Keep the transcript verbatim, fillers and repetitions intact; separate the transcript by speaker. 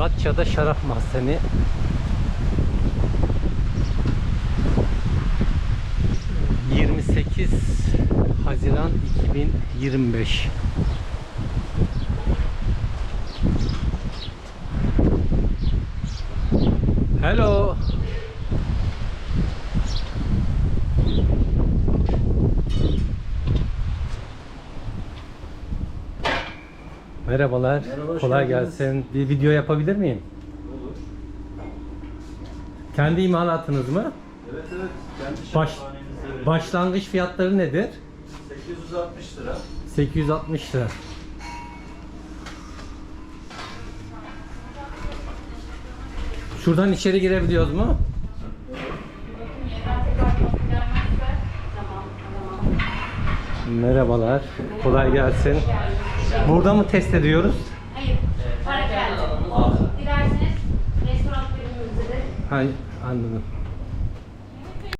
Speaker 1: Datça'da şarap mahzeni. yirmi sekiz Haziran iki bin yirmi beş. Hello. Merhabalar.
Speaker 2: Merhaba,
Speaker 1: Kolay
Speaker 2: geldiniz.
Speaker 1: gelsin. Bir video yapabilir miyim?
Speaker 2: Olur.
Speaker 1: Kendi imalatınız mı?
Speaker 2: Evet evet. Kendi
Speaker 1: Baş,
Speaker 2: şampanemizde veriyoruz.
Speaker 1: başlangıç fiyatları nedir?
Speaker 2: sekiz yüz altmış lira.
Speaker 1: sekiz yüz altmış lira. Şuradan içeri girebiliyoruz mu? Merhabalar. Kolay gelsin. Burada mı test ediyoruz?
Speaker 3: Hayır, para geldi. Dilerseniz restoran bölümümüzde de
Speaker 1: Hayır, anladım.